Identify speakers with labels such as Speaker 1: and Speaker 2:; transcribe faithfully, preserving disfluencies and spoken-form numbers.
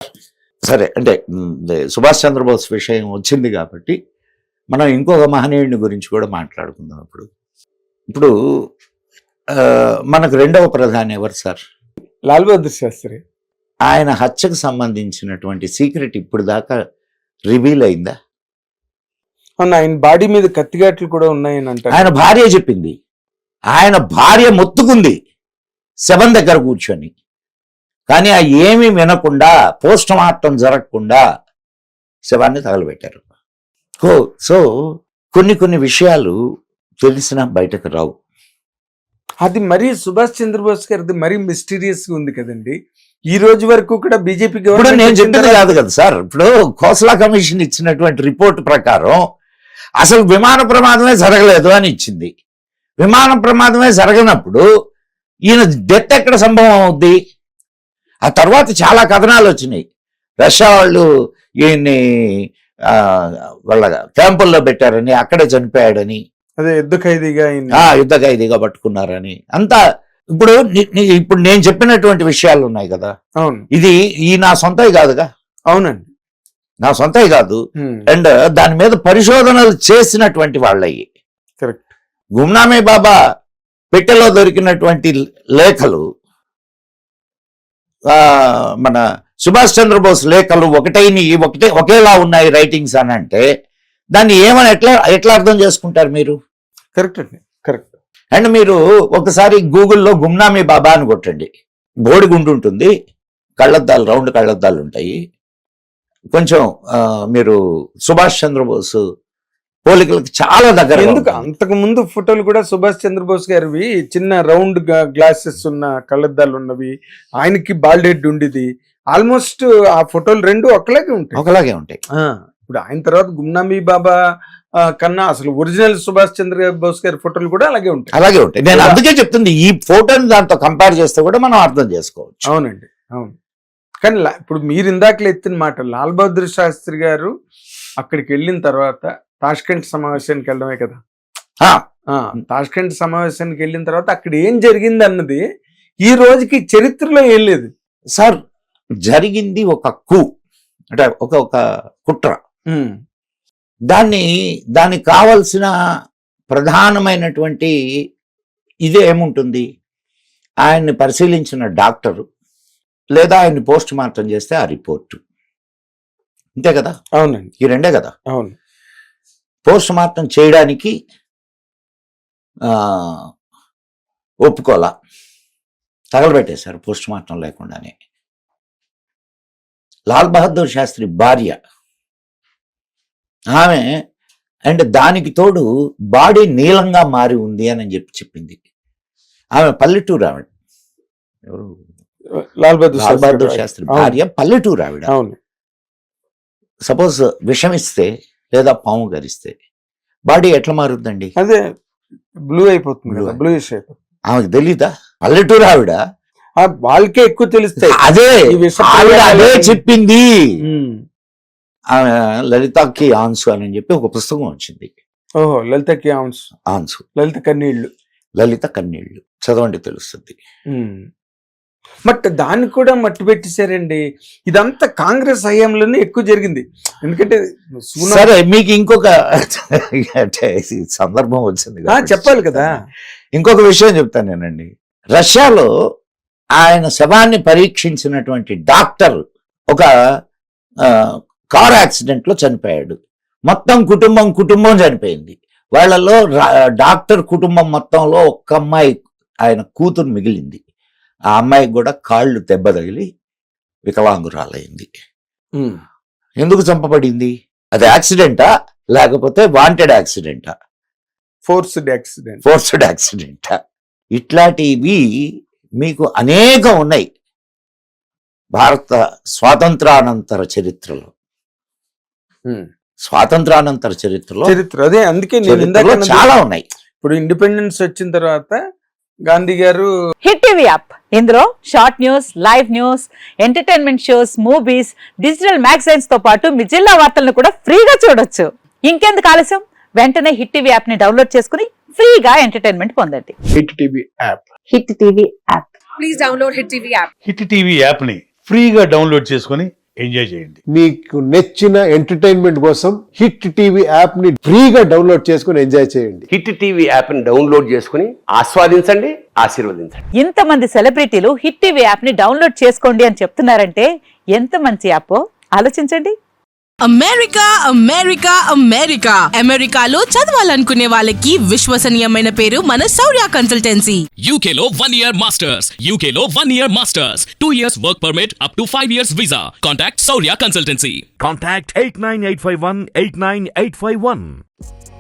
Speaker 1: సరే, అంటే మ్, సుభాష్ చంద్రబోస్ విషయం వచ్చింది కాబట్టి మనం ఇంకొక మహనీయుడిని గురించి కూడా మాట్లాడుకుందాం. ఇప్పుడు ఇప్పుడు ఆ, మనకు రెండవ ప్రధాని ఎవరు సార్?
Speaker 2: లాల్ బహదూర్ శాస్త్రి.
Speaker 1: ఆయన హత్యకు సంబంధించినటువంటి సీక్రెట్ ఇప్పుడు దాకా రివీల్ అయిందా?
Speaker 2: అవును, ఆయన బాడీ మీద కత్తిగాట్లు కూడా ఉన్నాయని అంటారు.
Speaker 1: ఆయన భార్య చెప్పింది. ఆయన భార్య మొత్తుకుంది శవం దగ్గర కూర్చొని, కానీ ఆ ఏమీ వినకుండా పోస్ట్ మార్టం జరగకుండా శవాన్ని తగలబెట్టారు. ఓ సో కొన్ని కొన్ని విషయాలు తెలిసినా బయటకు రావు.
Speaker 2: అది మరీ సుభాష్ చంద్రబోస్ గారిది మరీ మిస్టీరియస్ గా ఉంది కదండి. ఈ రోజు వరకు కూడా బీజేపీ
Speaker 1: ఇప్పుడు నేను చెప్పింది కాదు కదా సార్. ఇప్పుడు ఖోస్లా కమిషన్ ఇచ్చినటువంటి రిపోర్ట్ ప్రకారం అసలు విమాన ప్రమాదమే జరగలేదు అని ఇచ్చింది. విమాన ప్రమాదమే జరగనప్పుడు ఈయన డెత్ ఎక్కడ సంభవం అవుద్ది? ఆ తర్వాత చాలా కథనాలు వచ్చినాయి. రష్యా వాళ్ళు ఈయన్ని ఆ, వాళ్ళ క్యాంపుల్లో పెట్టారని, అక్కడే చనిపోయాడని,
Speaker 2: అదే యుద్ధ ఖైదీగా ఆయన.
Speaker 1: ఆ యుద్ధ ఖైదీగా పట్టుకున్నారని అంతా. ఇప్పుడు ని- ని- ఇప్పుడు నేను చెప్పినటువంటి విషయాలు ఉన్నాయి కదా,
Speaker 2: అవును
Speaker 1: ఇది ఈ నా సొంతవి కాదుగా,
Speaker 2: అవునండి.
Speaker 1: నా సొంతవి కాదు.
Speaker 2: హ్మ్.
Speaker 1: అండ్ దాని మీద పరిశోధనలు చేసినటువంటి వాళ్ళవి.
Speaker 2: కరెక్ట్.
Speaker 1: గుమ్నామీ బాబా పెట్టెలో దొరికినటువంటి లేఖలు, ఆ, మన సుభాష్ చంద్రబోస్ లేఖలు ఒకటైన ఒకటే ఒకేలా ఉన్నాయి రైటింగ్స్ అని అంటే దాన్ని ఏమని ఎట్లా ఎట్లా అర్థం చేసుకుంటారు మీరు?
Speaker 2: కరెక్ట్ అండి, కరెక్ట్.
Speaker 1: అండ్ మీరు ఒకసారి గూగుల్లో గుమ్నామీ బాబా అని కొట్టండి. బోడిగుండు ఉంటుంది, కళ్ళద్దాలు, రౌండ్ కళ్ళద్దాలు ఉంటాయి. కొంచెం ఆ, మీరు సుభాష్ చంద్రబోస్ పోలికలకు చాలా దగ్గర.
Speaker 2: ఎందుకు అంతకు ముందు ఫోటోలు కూడా సుభాష్ చంద్రబోస్ గారివి చిన్న రౌండ్ గ్లాసెస్ ఉన్న కళ్ళద్దాలు ఉన్నవి, ఆయనకి బాల్డ్ హెడ్ ఉండేది. ఆల్మోస్ట్ ఆ ఫోటోలు రెండు ఒకలాగే ఉంటాయి.
Speaker 1: ఒకలాగే ఉంటాయి.
Speaker 2: ఆ, ఇప్పుడు ఆయన తర్వాత గుమ్నామీ బాబా ఆ, కన్నా అసలు ఒరిజినల్ సుభాష్ చంద్రబోస్ గారి ఫోటోలు కూడా అలాగే ఉంటాయి.
Speaker 1: అలాగే ఉంటాయి. నేను అందుకే చెప్తుంది, ఈ ఫోటోని దాంతో కంపేర్ చేస్తే కూడా మనం అర్థం చేసుకోవచ్చు.
Speaker 2: అవునండి, అవును. కానీ లా- ఇప్పుడు మీరు ఇందాకలు ఎత్తిన మాట, లాల్ బహదూర్ శాస్త్రి గారు అక్కడికి వెళ్ళిన తర్వాత తాష్కెంట్ సమావేశానికి వెళ్ళడమే కదా.
Speaker 1: ఆ,
Speaker 2: ఆ తాష్కెంట్ సమావేశానికి వెళ్ళిన తర్వాత అక్కడ ఏం జరిగింది అన్నది ఈ రోజుకి చరిత్రలో ఏం లేదు
Speaker 1: సార్, జరిగింది ఒక కు, అంటే ఒక ఒక కుట్ర.
Speaker 2: ఉమ్,
Speaker 1: దాన్ని దానికి కావలసిన ప్రధానమైనటువంటి ఇదే ఏముంటుంది? ఆయన్ని పరిశీలించిన డాక్టరు లేదా ఆయన్ని పోస్ట్ మార్టం చేస్తే ఆ రిపోర్టు, అంతే కదా?
Speaker 2: అవునండి,
Speaker 1: ఈ రెండే కదా.
Speaker 2: అవును.
Speaker 1: పోస్ట్ మార్టం చేయడానికి ఆ, ఒప్పుకోలా, తగలబెట్టేశారు పోస్ట్ మార్టం లేకుండానే. లాల్ బహదూర్ శాస్త్రి భార్య ఆమె, అండ్ దానికి తోడు బాడీ నీలంగా మారి ఉంది అని చెప్పి చెప్పింది. ఆమె పల్లెటూరు ఆవిడ. ఎవరు?
Speaker 2: లాల్ బహదూర్
Speaker 1: లాల్ బహదూర్
Speaker 2: శాస్త్రి
Speaker 1: శాస్త్రి
Speaker 2: అవును.
Speaker 1: భార్య పల్లెటూరు ఆవిడ.
Speaker 2: అవును.
Speaker 1: సపోజ్ విషమిస్తే లేదా పాము గరిస్తే బాడీ ఎట్లా మారుద్దండి?
Speaker 2: అదే బ్లూ అయిపోతుంది
Speaker 1: Blue
Speaker 2: కదా, బ్లూయిష్ అయిపోతుంది.
Speaker 1: ఆమెకు తెలీదా? పల్లెటూరు ఆవిడ.
Speaker 2: ఆ, వాళ్ళకే ఎక్కువ తెలుస్తాయి
Speaker 1: అదే
Speaker 2: ఈ విష
Speaker 1: ఆవిడ అదే
Speaker 2: ప్రయోగాలు.
Speaker 1: చెప్పింది.
Speaker 2: ఉమ్.
Speaker 1: ఆమె లలితాకి ఆన్సు అని చెప్పి ఒక పుస్తకం వచ్చింది.
Speaker 2: ఓహో, లలితకి ఆన్స్,
Speaker 1: ఆన్సు,
Speaker 2: లలిత కన్నీళ్లు.
Speaker 1: లలిత కన్నీళ్లు చదవండి తెలుస్తుంది.
Speaker 2: ఉమ్. బట్ దాన్ని కూడా మట్టి పెట్టేశారండి. ఇదంతా కాంగ్రెస్ హయాంలోనే ఎక్కువ జరిగింది. ఎందుకంటే సూనా-
Speaker 1: సరే, మీకు ఇంకొక అంటే ఈ సందర్భం వచ్చింది
Speaker 2: ఆ,
Speaker 1: కాబట్టి
Speaker 2: చెప్పాలి కదా.
Speaker 1: ఇంకొక విషయం చెప్తాను నేనండి. రష్యాలో ఆయన శవాన్ని పరీక్షించినటువంటి డాక్టర్ ఒక ఆ, కార్ యాక్సిడెంట్ లో చనిపోయాడు. మొత్తం కుటుంబం కుటుంబం చనిపోయింది. వాళ్ళలో రా- డాక్టర్ కుటుంబం మొత్తంలో ఒక్క అమ్మాయి, ఆయన కూతురు మిగిలింది. ఆ అమ్మాయికి కూడా కాళ్ళు దెబ్బ తగిలి వికలాంగురాలైంది.
Speaker 2: ఉమ్.
Speaker 1: ఎందుకు చంపబడింది? అది యాక్సిడెంటా లేకపోతే వాంటెడ్ యాక్సిడెంటా,
Speaker 2: ఫోర్స్డ్ యాక్సిడెంట్.
Speaker 1: ఫోర్స్డ్ యాక్సిడెంటా? ఇట్లాంటివి మీకు అనేకం ఉన్నాయి భారత స్వాతంత్రానంతర చరిత్రలో.
Speaker 2: ఉమ్.
Speaker 1: స్వాతంత్రానంతర చరిత్రలో
Speaker 2: చరిత్ర అదే, అందుకే నేను ఇందాక
Speaker 1: చరిత్రలో
Speaker 2: అన్నది,
Speaker 1: చాలా ఉన్నాయి.
Speaker 2: ఇప్పుడు ఇండిపెండెన్స్ వచ్చిన తర్వాత గాంధీ గారు
Speaker 3: హిట్ టీవీ యాప్, ఇందులో short news, live news, entertainment shows, movies, digital magazines తో పాటు మీ జిల్లా వార్తలను కూడా ఫ్రీగా చూడొచ్చు. ఇంకెందుకు ఆలస్యం, వెంటనే హిట్ టీవీ యాప్ ని డౌన్లోడ్ చేసుకుని ఫ్రీగా ఎంటర్టైన్మెంట్ పొందండి.
Speaker 2: Hit TV app.
Speaker 3: Hit TV app.
Speaker 4: Please download Hit T V app.
Speaker 5: Hit TV యాప్ని ఫ్రీగా డౌన్లోడ్ చేసుకొని
Speaker 4: ఎంజాయ్ చేయండి.
Speaker 5: మీకు నచ్చిన ఎంటర్టైన్మెంట్ కోసం హిట్ టీవీ యాప్ ని ఫ్రీగా డౌన్లోడ్ చేసుకుని ఎంజాయ్ చేయండి.
Speaker 6: హిట్ టీవీ యాప్ ని డౌన్లోడ్ చేసుకుని ఆస్వాదించండి, ఆశీర్వదించండి.
Speaker 3: ఇంతమంది సెలబ్రిటీలు హిట్ టీవీ యాప్ ని డౌన్లోడ్ చేసుకోండి అని చెప్తున్నారంటే ఎంత మంచి యాప్ ఆలోచించండి.
Speaker 7: అమెరికా అమెరికా అమెరికా అమెరికాలో చదవాలనుకునే వాళ్ళకి విశ్వసనీయమైన పేరు మన శౌర్య కన్సల్టెన్సీ.
Speaker 8: U K లో one year masters, U K లో one year masters, two years work permit up to five years visa. Contact Saurya Consultancy.
Speaker 4: Contact eight nine eight five one eight nine eight five one.